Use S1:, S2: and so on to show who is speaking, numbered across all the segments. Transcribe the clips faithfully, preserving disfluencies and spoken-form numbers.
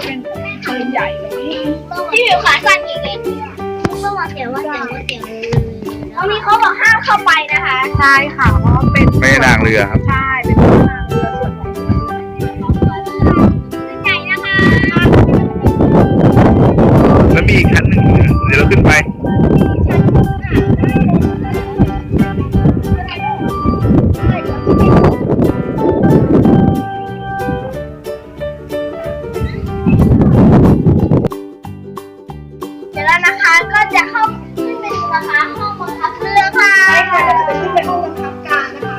S1: เป็นปืนใหญ่เลย
S2: ที่อยู่ขาสั้นอีกเลยก็มาเสียว่าเสียว่าเสียตอนนี้เขาบอกห้ามเข้าไปนะคะ
S1: ใช่ค่ะเพราะเป็น
S3: ไม่นางเรือครับ
S1: ใช่เป็นพระนางเรือส่วนของ
S2: ใหญ่นะคะ
S3: แล้วมีอีกชั้นหนึ่งเดี๋ยวเราขึ้นไป
S2: เดี๋ยวแล้วนะคะก็จะเข้าขึ้นไปดูนะคะห้องบังคับเรือค่ะ
S1: ใช่ค่ะเราจะไปขึ้นไปห้องบังคับการนะคะ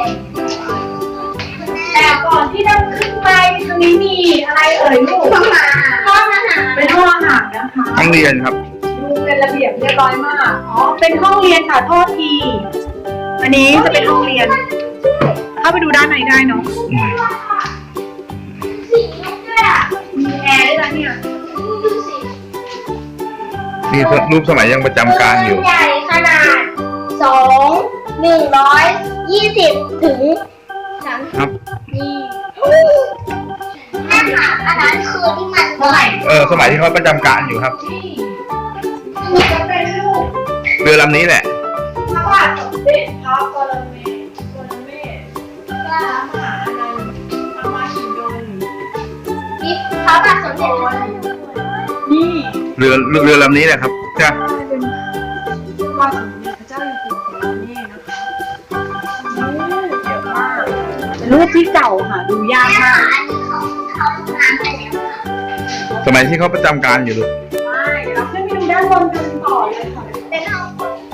S1: แต่ก่อนที่เราขึ้นไปตรงนี้มีอะไรเอ่ยลูก
S2: ห้องอาหารห้องอาหาร
S1: เป็นห้องอาหารนะคะ
S3: ห้องเรียนครับ
S1: ดูเป็นระเบียบเรียบร้อยมากอ๋อเป็นห้องเรียนค่ะโทษทีอันนี้จะเป็นห้องเรียนเข้าไปดูด้านในได้เนาะ
S3: อืม
S2: สีลูกด้วยอ่ะ
S1: มีแอร์ด้วยนะเนี่ย
S2: ดูสิ
S3: นี่รูปสมัยยังประจำการอยู่
S2: ใหญ่ขนาดสองหนึ่งร้อยยี่สิบถึงสาม
S3: ครับ
S2: นี่แม่ค่ะอันนั้นคือที่มันเท่าไหร่
S3: เออสมัยที่เขาประจำการอยู่ครับ
S1: นี่จะเป็นรูป
S3: เรือลำนี้แหละ
S1: พระบาทสมเด็จพระปรเมศวรเมศพระมหาอนันต์พระมหิดล
S2: นี่พระบาทสมเด็จ
S1: นี่
S3: เรือเรือลำนี้แหละครับใช่
S1: เป็นพระบาทสมเด็จพระเจ้าอยู่หัวของเรานี่นะคะเยอะมากเป็นรูปที่เก่าค่ะดูยาก
S2: แม่
S1: มาก
S2: ค่ะอันนี้เขาเขาทำงานไปแล้วค่ะ
S3: สมัยที่เขาประจำการอยู่ลูก
S1: ไม่เดี๋ยวเราขึ้นไปดูด้านบนกันต่อเลยค่ะ
S2: เป็นห้อง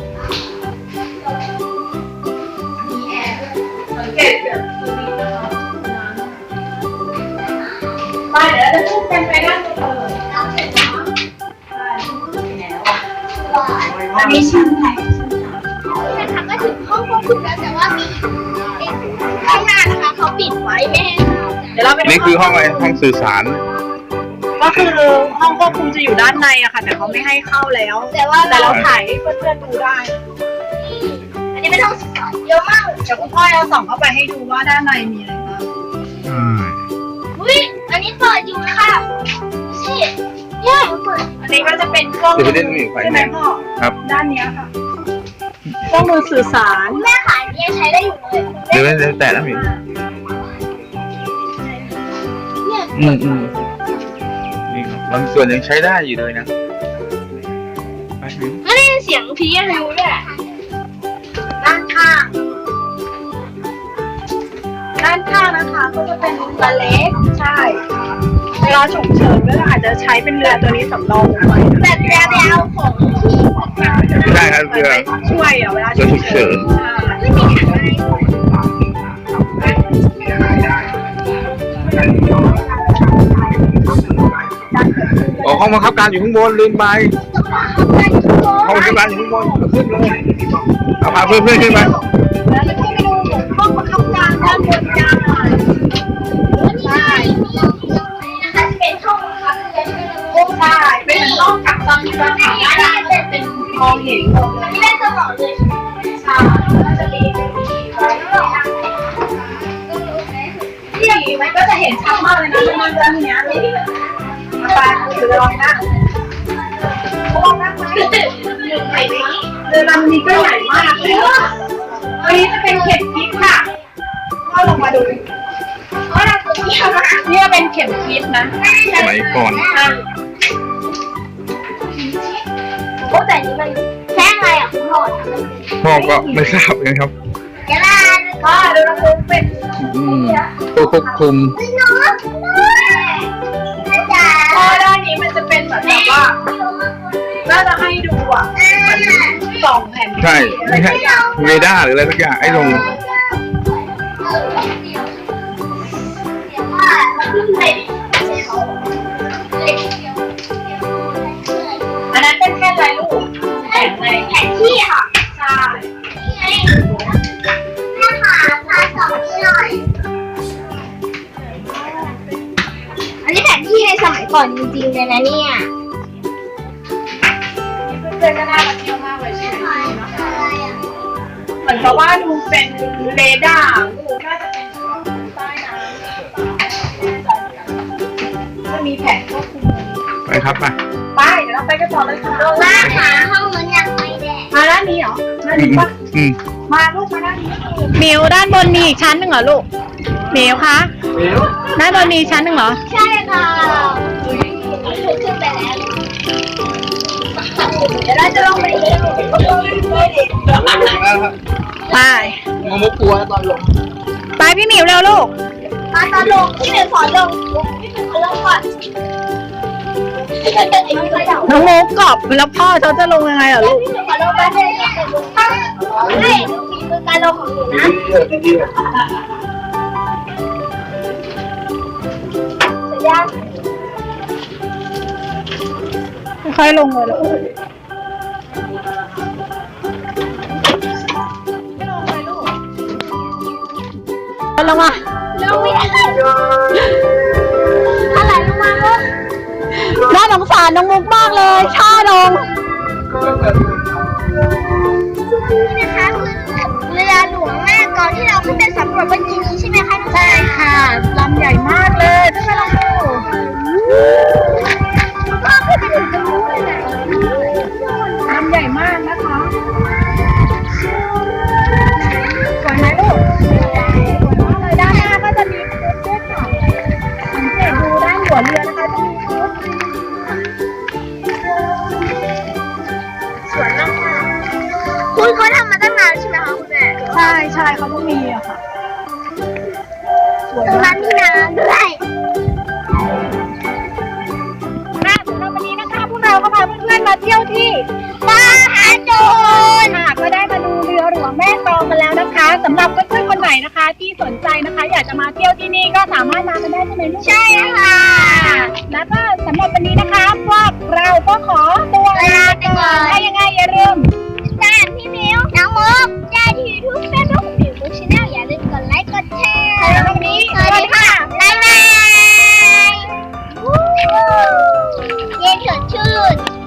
S2: มีแอร์ด้วย
S1: สังเกตแบบตรงนี้นะคะไปเดี๋ยวเราจะขึ้นกันไปด้านบนเลย
S2: เราเสร็จแล้ว
S1: ใช่แล้ว
S2: ก่อน
S1: อันนี้ชั้นไหนชั้นสาม
S2: นะคะก็ถึงห้องควบคุมแล้วแต่ว่ามีข้างหน้านะคะเขาปิดไว้ไม่ให้เข้า
S1: เดี๋ยวเราไปดู
S3: นี่คือห้องอะไรห้องสื่อสาร
S1: ก็คือห้องควบคุมจะอยู่ด้านในอะค่ะแต่เขาไม่ให้เข้าแล้ว
S2: แต่ว่า
S1: แต่เราถ่ายให้เพื่อนๆดูได้
S2: อันนี้เป็นห้องศึกษาเยอะมาก
S1: เดี๋ยวคุณพ่อเราส่องเข้าไปให้ดูว่าด้านในมีอะไรบ้าง
S3: อืม
S2: อุ้ยอันนี้เปิดอยู่นะคะดูสิเนี่ยเปิด
S1: อันนี้ก็จะเป็นเครื่องมือใช่ไหมพ่อ
S3: ครับ
S1: ด้านเนี้ยค่ะเครื่องมือสื่อสาร
S2: แม่ขายยังใช้ได้อยู่เลย
S3: เดี๋ยวเดี๋ยวแต่แล้วมี
S2: เนี่ย
S3: อืมอืมนี่ครับบางส่วนยังใช้ได้อยู่เลยนะไปถึง
S2: ไม่ได้ยินเสียงพีอะไรด้วย
S1: ด้านข้าง ด้านข้างนะคะก็จะเป็นเรือเล็กใช่เวลาฉุกเฉินก็อาจจะใช้เป็นเรือตัวนี้สำรองไว้
S2: แต่เรือไปเอาของที่ของเรา
S3: ไม่ได้ครับเรือ
S1: ช่วยอ่ะเวลา
S3: เรือฉุกเฉิน
S1: ใช่
S2: ไม่มีถังอะไร
S3: อ๋อห้องบังคับการอยู่ข้างบนลืมไป
S2: ต้องมาเข้าไปทุกคน
S3: ห้องบังคับการอยู่ข้างบนเอาขึ้นเลยเอาพาเพื่อนเพื่อนๆขึ้นไป
S1: แล้วจะขึ้นไปดูห้องบังคับการด้านบนกัน
S2: ใช่นะคะเป็นห้องครับเรียนเป็น
S1: โอ้ได้เป็นเหมือนห้องกักตันสถานได้เป็นมองเห็นหมดเลย
S2: นี่เป็นสมองเลย
S1: ใช่ก็จะมีนี่มันก็จะเห็นชัดมากเลยนะมันเรื่องเนี้ยมาไปคือลองนั่งลองนั่งไหมใหญ่ไหมเรือลำนี้ก็ใหญ่มากเลยวันนี้จะเป็นเข็มทิศค่ะก็ลงมาดู
S2: เพราะเราตัวเดียวนะ
S1: เนี่ยเป็นเข็มทิศนะ
S3: สมัยก่อน
S2: โอ้แต่นี่มันแค่ไงอ่ะคุณพ่อทำเป็น
S3: พ่อก็ไม่ทราบเลยครับ
S2: เดี๋ยวนะ
S1: ก็เรือลำนี้เป็น
S3: อืมตัวควบคุม
S2: น้องน้องจ๋า
S1: ก็ด้านนี้มันจะเป็นเหมือนแบบว่าน่าจะให้ดูอ่ะเหมือนสองแผ่น
S3: ใช่ไม่ใช่เรดาร์หรืออะไรสักอย่างไอ้ลง
S1: อันนั้นเป็นแค่ลายลูกแผ่นใน
S2: แผนที่ค่ะ
S1: ใช่
S2: นี่ไงแม่ค่ะพาสองนี้หน่อย อันนี้แผนที่ในสมัยก่อนจริงๆเลยนะเนี่ย
S1: เพื่อนๆก็น่ามาเที่ยวมากเลยใช่ไหม
S2: อะไรอ่ะ
S1: เหมือนกับว่าดูเป็นเรดาร์น่าจะเป็นใต้น้ำจะมีแผนควบคุม
S3: ไปครับไป
S1: ไปเดี๋ยวเราไปกันต่อเลยค่ะ
S2: ว่าหาห้องมันยังไม่ได้
S1: มาด้านนี้เหรอด้าน
S3: อื
S1: นี้
S3: ม
S1: ปะ
S3: อืม
S1: มาลูกมาด้านนี้
S4: หมิวด้านบนมีอีกชั้นหนึ่งเหรอลูกหมิวคะด้านบนมีอีกชั้นหนึ่งเหรอ
S2: ใช่ค่ะขึ้นไปแล้วเดี๋ยวเราจะลงไปเอง
S4: ไป
S3: งมุกกลัวตอนลง
S4: ไปพี่หมิวเร็วลูก
S2: มาตอนลงที่เป็นสอนลงที่เป็นสอนลงก่อน
S4: น้องมุกกรอบแล้วพ่อเขาจะลงยังไงเหรอลูก
S2: ขอลงมาเลยให้ดูฝีมือการลงของหนูนะเสร็จยัง
S4: ค่อยๆลงเลยลูกลงมา
S2: ลงไม่ได้อะไรลงมาลูก
S4: น่าสงสารน้องมุกมากเลยช่าลง
S2: นี่นะคะคือเรือหลวงแม่กลองที่เราขึ้นไปสำรวจเมื่อกี้นี้ใช่ไหมคะน้อง
S4: ใช่ค่ะลำใหญ่มากเลยขึ้นไปลองดู
S2: ก็ขึ้นไปถึงตรงนู้นเลยนะ
S4: ลำใหญ่มากนะคะสวยไหมลูกสวยมากเลยด้านหน้าก็จะมีคุกด้วยค่ะสังเกตดูด้านหัวเรือนะคะจะมีคุก
S2: สวยมากค่ะคุณเขาทำมาตั้งนานใช่ไหมคะคุณแม่
S4: ใช่ใช่เขาต้องมีอะค่ะสวย
S2: ตรง
S4: มา
S2: นั้
S4: ก
S2: นมีน้ำด้วย
S4: ค่ะสำหรับวันนี้นะคะพวกเราก็พาเพื่อนๆมาเที่ยวที่
S2: มหาโจร
S4: ค่ะก็ได้มาดูเรือหลวงแม่กลองกันแล้วนะคะสำหรับเพื่อนๆคนไหนนะคะ ที่สนใจนะคะ อยากจะมาเที่ยวที่นี่ก็สามารถมากันได้ใช่ไหมลูก
S2: ใช่ค่ะ
S4: แล้วก็สำหรับวันนี้นะคะพวกเราก็ขอตัว
S2: ลาไปก่อน
S4: ถ้ายังไงอย่าลืม
S2: ตามพี่มิวน้องมุกได้ที่ยูทูบเฟซบุ๊กมิวบุ๊กชาแนลอย่าลืมกดไลค์กดแชร์
S4: สำหรับวันนี้
S2: สวัสดีค่ะบ๊ายบายเย็นสดชื่น